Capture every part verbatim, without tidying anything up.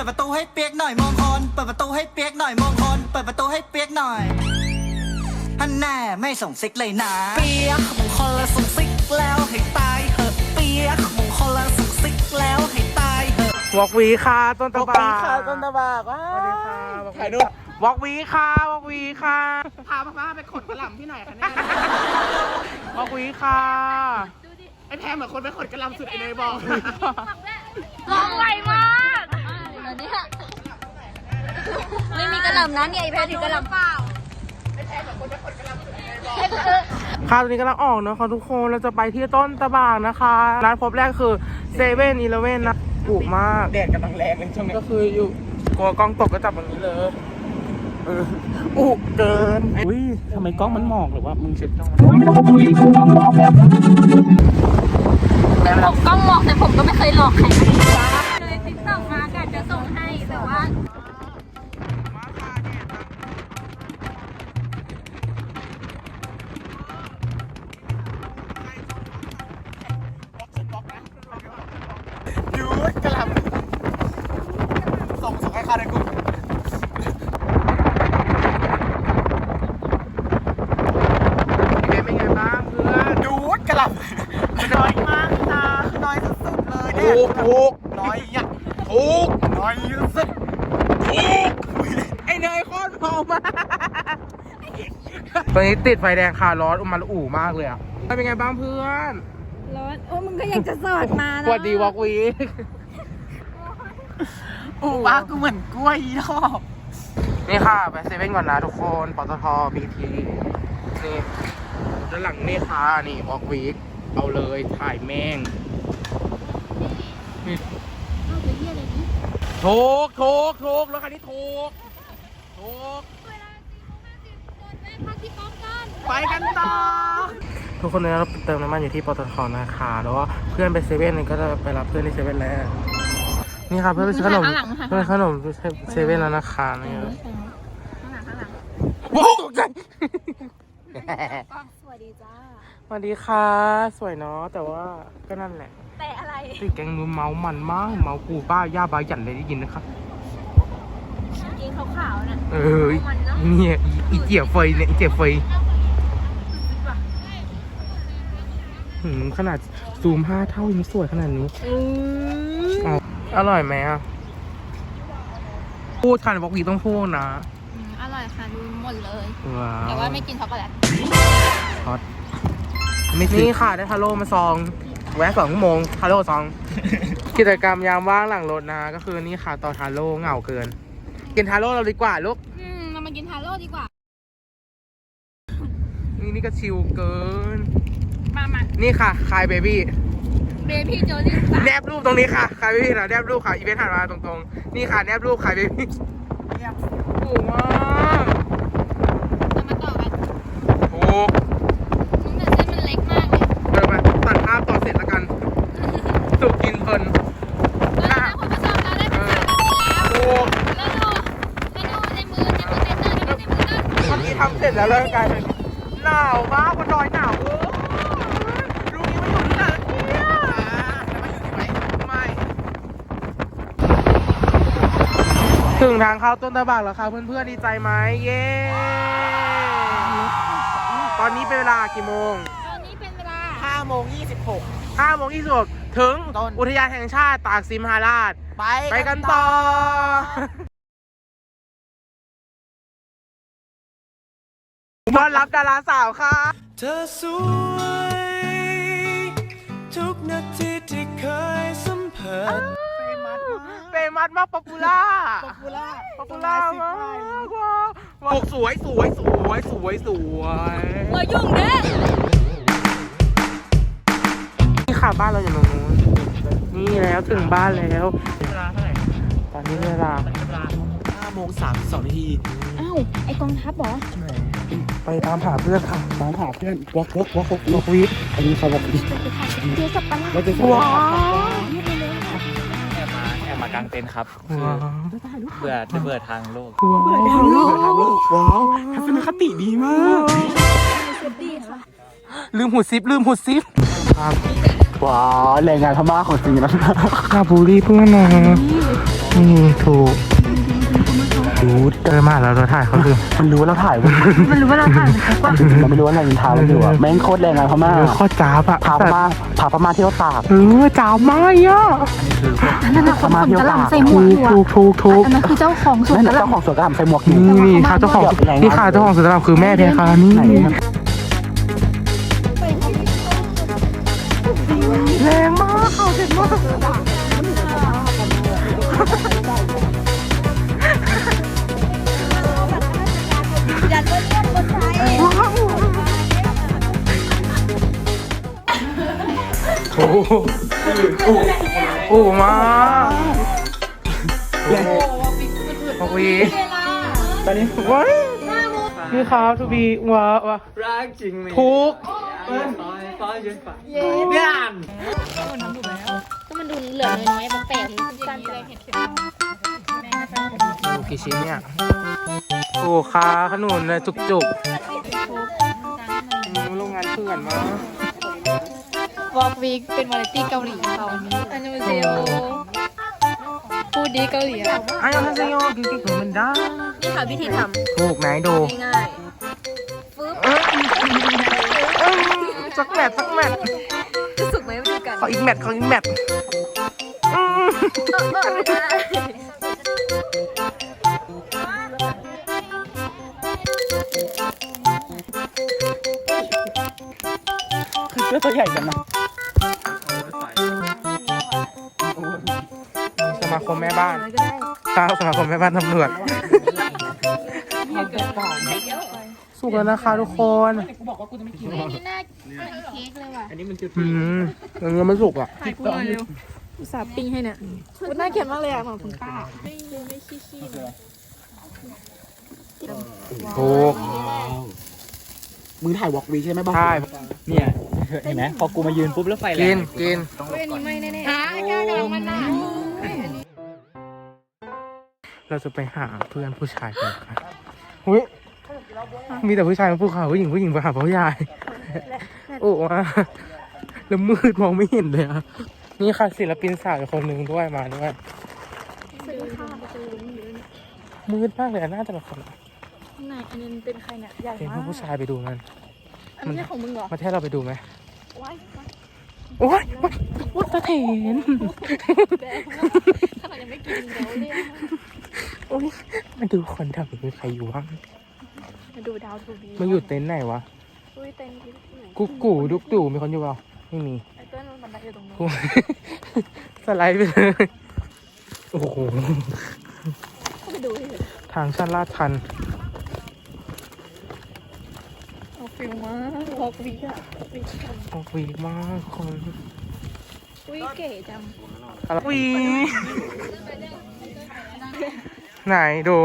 ประตูให้เปียกหน่อยมองคนเปิดประตูให้เปียกหน่อยมองคนเปิดประตูให้เปียกหน่อยฮันแน่ไม่ส่งซิกเลยนะเปียกมงคลละส่งซิกแล้วให้ตายเหอะเปียกมงคลละส่งซิกแล้วให้ตายเหอะวอกวีค่ะต้นตะบากค่ะต้นตะบากว้าสวัสดีค่ะถ่ายรูปวอกวีค่ะวอกวีค่ะพาป้าไปขนกระหล่ำที่ไหนคะเนี่ยวอกวีค่ะไอ้แพมเหมือนคนไปขนกระหล่ำสุดไอ้เนยบอกร้องไวมากเดี๋ยวนี้ไม่มีกระหล่ำนะเนี่ยไอแพทถือกระหล่ำเปล่าค่ะตอนนี้กำลังออกนะคะทุกคนเราจะไปที่ต้นตะบากนะคะร้านพบแรกคือเซเว่นอีเลเว่นนะถูกมากแดดกำลังแรงเลยช่วงนี้ก็คืออยู่กลัวกล้องตกก็จับแบบนี้เลยเอออุเกินอุ้ยทำไมกล้องมันหมอกหรือว่ามึงเช็ดกล้องผมกล้องหลอกแต่ผมก็ไม่เคยหลอกใครเลยติ๊กต็อกมากะจะส่งให้แต่ว่ายูดกระหล่ำส่งส่งให้ข้าในกลุ่มเป็นไงบ้างเพื่อนยูดกระหล่ำน้อยมากนะน้อยสุดๆเลยเนี่ยถูกถูกน้อยอ่ะถูกน้อยสุดถูกไอเนยโคตรเมามากตอนนี้ติดไฟแดงคาร้อนอุมันอู่มากเลยอ่ะเป็นไงบ้างเพื่อนร้อนโอ้มึงก็ยังจะสอดมานะสวัสดีวอกวีโอ้ป้ากูเหมือนกล้วยอีดอกนี่ค่ะไปเซเว่นก่อนนะทุกคนปตทบีทีนี่ด้านหลังนี่ค่ะนี่วอกวีเอาเลยถ่ายแม่งนี่ถูกถูกถูกแล้วคันนี้ถูกถูกไปกันต่อทุกคนเนี่ยเราเติมน้ำมันอยู่ที่ปตทนะคะแล้วว่าเพื่อนไปเซเว่นนี่ก็จะไปรับเพื่อนที่เซเว่นแล้วนี่ค่ะเพื่อนไปซื้อขนมเพื่อนขนมเซเว่นแล้วนะคะนี่ว้าวตกใจสวัสดีจ้าสวัสดีค่ะสวยเนาะแต่ว่าก็นั่นแหละแต่อะไรติดแกงมือเมามันมากเมากูป้าย่าบาหยันเลยได้ยินนะครับกินขาวๆน่ะเออเนี่ยอีเจี๋ยเฟยเนี่ยอีเจี๋ยเฟยหืมขนาดซูมห้าเท่ายังสวยขนาดนี้อ๋ออร่อยไหมอ่ะพูดค่ะบอกวีต้องพูดนะอร่อยค่ะดูหมดเลยว้าวแต่ว่าไม่กินช็อกโกแลตฮอตนี่ค่ะได้ทาโร่มาซองแวะสองชั่วโมงทาโร่ซอง กิจกรรมยามว่างหลังรถนะก็คือนี่ค่ะต่อทาโร่เหงาเกิน กินทาโร่เราดีกว่าลูกอืมเรามากินทาโร่ดีกว่านี่นี่ก็ชิลเกินมามานี่ค่ะคายเบบี้เบบี้โจลี่สาแนบรูปตรงนี้ค่ะคายเบบี้นะแนบรูปค่ะอีเวนต์ถัดมาตรงๆนี่ค่ะแนบรูปคายเบบี้โอ้มากจะมาต่อกันโอ้มึงแต่เส้นมันเล็กมากเลยเดินมาตัดภาพต่อเสร็จแล้วกันสุกกินเพลินแล้วนะคุณผู้ชมเราได้เป็นสามนาทีแล้วโอ้แล้วดูแล้วดูในมือในมือเต้นเต้นในมือเต้นทำนี้ทำเสร็จแล้วแล้วกลายเป็นหนาวมากบนดอยหนาวเออรู้นี้ไม่อยู่ที่ไหนเนี่ยไม่ถึงทางเข้าต้นตะบากแล้วค่ะเพื่อนๆดีใจไหมเย้ตอนนี้เป็นเวลากี่โมงตอนนี้เป็นเวลาห้าโมงยี่สิบหกห้าโมงยี่สิบถึงต้นอุทยานแห่งชาติตากสินมหาราชไปไปกันต่อต้อนรับดาราสาวค่ะเธอสวยทุกนาทีที่เคยสัมผัสเฟมัสเฟมัสมากป๊อปปูล่าป๊อปปูล่าป๊อปปูล่ามากว้าวสวยสวยสวยสวยสวยเบอร์ยุ่งเด้นี่ค่ะบ้านเราอยู่ตรงนู้นนี่แล้วถึงบ้านแล้วเวลาเท่าไหร่ตอนนี้เวลาเวลาห้าโมงสามสิบสองนาทีอ้าวไอกองทัพเหรอไปตามหาเพื่อนค่ะตามหาเพื่อนวอกวอกวอกวอกนกวีดอันนี้เขาบอกดีเจอสับปะรดเราจะว้าวแอบมาแอบมากางเต็นท์ครับว้าวเบื่อจะเบื่อทางโลกว้าวว้าวทัศนคติดีมากดีค่ะลืมหูซิปลืมหูซิปครับว้าวแรงงานพม่าของจริงนะคาบูรีเพื่อนนะนี่ถูกดูเจอมาแล้วเราถ่ายเขาคือมันรู้ว่าเราถ่ายมันรู้ว่าเราถ่ายมันก็มันไม่รู้ว่าเรายินทาเราอยู่อ่ะแม่งโคตรแรงนะพม่าเออข้อจ้าบอะพาพม่าพาพม่าเที่ยวตากเออจ้าบมากอ่ะนั่นน่ะคนขนกระหล่ำใส่หมวถูกกอยู่ถูกถูกถูกอันนั้นคือเจ้าของสวนนั่นกระหเจ้าล่ำของสวนกระหล่ำใส่หมวกอยู่นี่นี่ค่ะเจ้าของนี่ค่ะเจ้าของสวนกระหล่ำคือแม่เพคะนี่ไหนแรงมากเขาเด็ดมากโอ้โหโอ้มาโอ้วีตอนนี้ว้ายนี่ครับทูบีว้าวะรักจริงเลยทุกก็มันดูเหลือน้อยๆบางแปลกสั้นเลยโอ้กี่ชิ้นเนี่ยโอ้คาขนุนเลยจุกจุกโรงงานเถื่อนมากวอล์กวีคเป็นวาไรตี้เกาหลีเขาอันนี้มันเซลพูดดีเกาหลีอ่ะไอ้ยังทัศโยกินกิ๊กเหมือนมันได้นี่ค่ะวิธีทถูกไหนดูำง่ายเออเออสักแมทสักแมทๆรู้สึกไหมวิธีการขออีกแมทขออีกแมทอืมคือเสื้อตัวใหญ่จังนะสมาคมแม่บ้านตาสมาคมแม่บ้านตำรวจสุกแล้วนะคะทุกคนนี่น่าเค้กเลยว่ะอืมยังยังไม่สุกอ่ะถ่ายกูหน่อยเร็วอุตส่าห์ปิ้งให้เนี่ยคุณน่าเกลียดมากเลยอ่ะเหมือนคุณป้าไม่ไม่ขี้ขี้เลยถูกมึงถ่ายวอล์กวีใช่ไหมบ้างใช่เนี่ย เห็นไหมพอกูมายืนปุ๊บแล้วไฟแรกิงนกินเฮ้ยอันนี้ไม่แน่ๆอ่ะแก้วกำลังมันนะเราจะไปหาเพื่อนผู้ชายกันค่ะอุ้ยมีแต่ผู้ชายมาพูดข่าวผู้หญิงผู้หญิงไปหาผู้ชายโอ้ว่าแล้วมืดมองไม่เห็นเลยอ่ะนี่ค่ะศิลปินสาวอีกคนหนึ่งด้วยมาด้วยมืดมากเลยอะน่าจะแบบคนไหนอันนี้เป็นใครเนี่ยใหญ่เป็นมากผู้ชายไปดูมันอันนี้ของมึงเหรอมาเทศเราไปดูไหมว้ายโอ้ยวัดสะเทนขนาดยังไม่กินเดี๋ยวเรียกโอ้ยมาดูคนแถวนี้มีใครอยู่บ้างมาดูดาวทูบีมาอยู่เต็นท์ไหนวะอุ้ยเต็มที่ไหนกุ๊กกูดุกตู่มีคนอยู่เปล่าไม่มีไอ้เต้นมันบันไดอยู่ตรงนู้นกู สไลด์ไปเลยโอ้โหก็ไปดูดิทางชันลาดชันเอาฟิลมากวอล์กวีคอะวีคกันโอ้วีมากคนอุ้ยเก๋จังอะไรวีไหนดู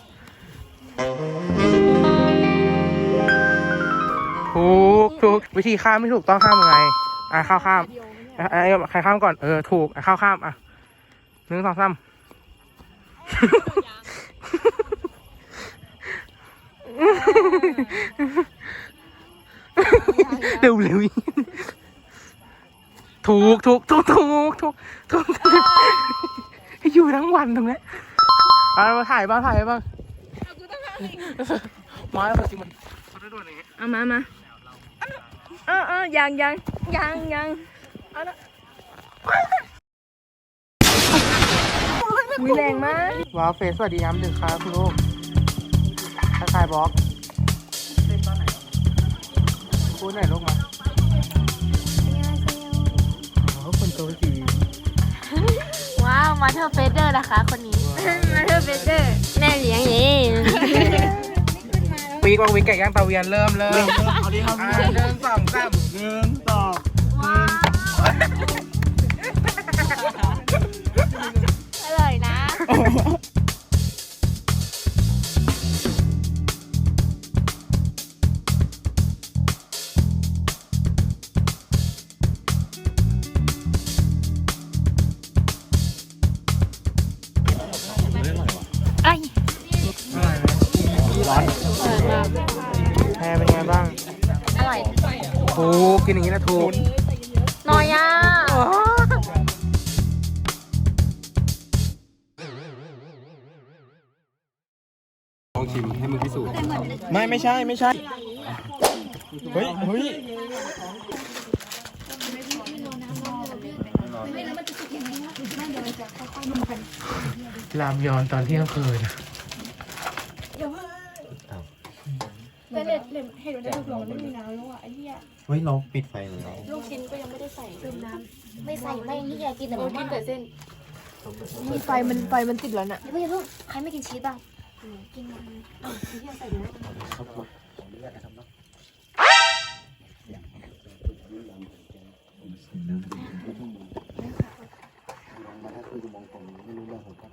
ถูกถูกวิธีข้ามไม่ถูกต้องข้ามยังไงอ่ะข้าวข้ามอ่ะไอ้ใครข้ามก่อนเออถูกอ่ะข้าวข้ามอ่ะหนึ่งสองสามเร็วเร็วถูกถูกถูกถูกถูกถูกอยู่ทั้งวันตรงนี้เอามาถ่ายบ้างถ่ายบ้างมาแล้วจริงมันเขาได้ด้วยอย่างนี้เอามามาเออเออยังยังยังยังวิแรงมากว้าวเฟสสวัสดีย้ำดึกครับคุณลูกทักทายบล็อกพูดหน่อยลูกมาโอ้คนโตสีว้าวมาเธอเฟเดอร์นะคะคนนี้มาเธอเบเดอร์แม่เลี้ยงเองปีกว่าวิกไก่ย่างตาเวียนเริ่มเริ่มเอาดิครับอ่าหนึ่งสองสามหนึ่งสองอร่อยนะ ไอ้ร้อนแพรเป็นไงบ้างอร่อยถูกกินอย่างนี้นะถูกน้อยอ่ะลองชิมให้มึงพิสูจน์ไม่ไม่ใช่ไม่ใช่เฮ้ยเฮ้ยรามยอนตอนเที่ยงคืนแต่เล็ดเล็ดเห็นว่าได้ลูกหลงไม่มีน้ำแล้วอ่ะไอ้เหี้ยเฮ้ยเราปิดไฟเลยลูกชิ้นก็ยังไม่ได้ใส่เติมน้ไม่ใส่ไม่นี่อยากกินแต่ำมากิม่านแต่เส้นมีไฟมันไฟมันติดแล้วน่ะเดี๋ยวเพิ่งใครไม่กินชีสบ้างกินมาเ